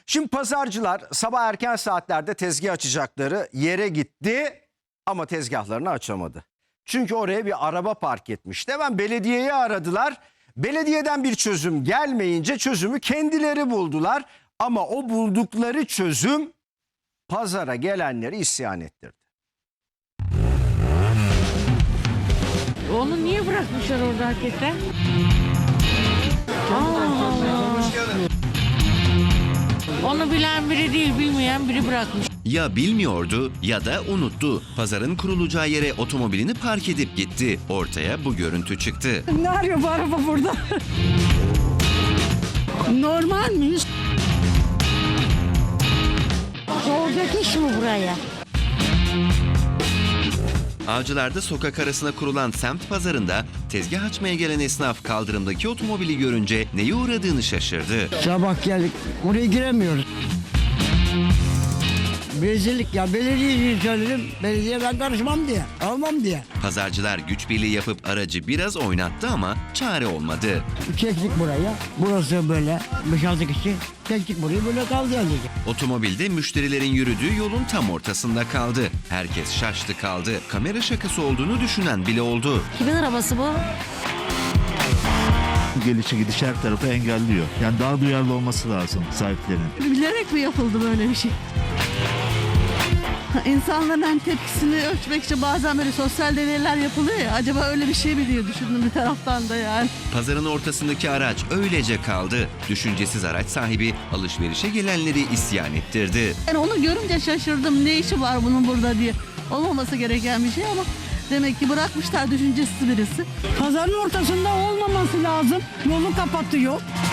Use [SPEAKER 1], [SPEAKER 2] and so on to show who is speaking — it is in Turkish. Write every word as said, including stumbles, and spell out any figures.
[SPEAKER 1] Şimdi pazarcılar sabah erken saatlerde tezgah açacakları yere gitti ama tezgahlarını açamadı. Çünkü oraya bir araba park etmişti. Hemen belediyeyi aradılar. Belediyeden bir çözüm gelmeyince çözümü kendileri buldular. Ama o buldukları çözüm pazara gelenleri isyan ettirdi.
[SPEAKER 2] Onu niye bırakmışlar orada hakikaten? Allah Allah. Onu bilen biri değil, bilmeyen biri bırakmış.
[SPEAKER 3] Ya bilmiyordu ya da unuttu. Pazarın kurulacağı yere otomobilini park edip gitti. Ortaya bu görüntü çıktı.
[SPEAKER 4] Ne arıyor bu araba burada? Normal mi?
[SPEAKER 2] Olacak iş mi buraya?
[SPEAKER 3] Avcılar'da sokak arasına kurulan semt pazarında tezgah açmaya gelen esnaf kaldırımdaki otomobili görünce neye uğradığını şaşırdı.
[SPEAKER 4] Sabah geldik. Oraya giremiyoruz. Rezillik ya. Belediyeye söyledim. Belediye ben karışmam diye. Almam diye.
[SPEAKER 3] Pazarcılar güç birliği yapıp aracı biraz oynattı ama çare olmadı.
[SPEAKER 4] Çektik buraya. Burası böyle. beş altı kişi. Çektik burayı böyle kaldı yani.
[SPEAKER 3] Otomobilde müşterilerin yürüdüğü yolun tam ortasında kaldı. Herkes şaştı kaldı. Kamera şakası olduğunu düşünen bile oldu.
[SPEAKER 2] Kimin arabası bu?
[SPEAKER 5] Gelişi gidiş her tarafı engelliyor. Yani daha duyarlı olması lazım sahiplerinin.
[SPEAKER 6] Bilerek mi yapıldı böyle bir şey? İnsanların hani tepkisini ölçmek için bazen böyle sosyal deneyler yapılıyor ya. Acaba öyle bir şey mi diye düşündüm bir taraftan da yani.
[SPEAKER 3] Pazarın ortasındaki araç öylece kaldı. Düşüncesiz araç sahibi alışverişe gelenleri isyan ettirdi.
[SPEAKER 6] Yani onu görünce şaşırdım. Ne işi var bunun burada diye. Olmaması gereken bir şey ama demek ki bırakmışlar düşüncesiz birisi.
[SPEAKER 4] Pazarın ortasında olmaması lazım. Yolu kapatıyor.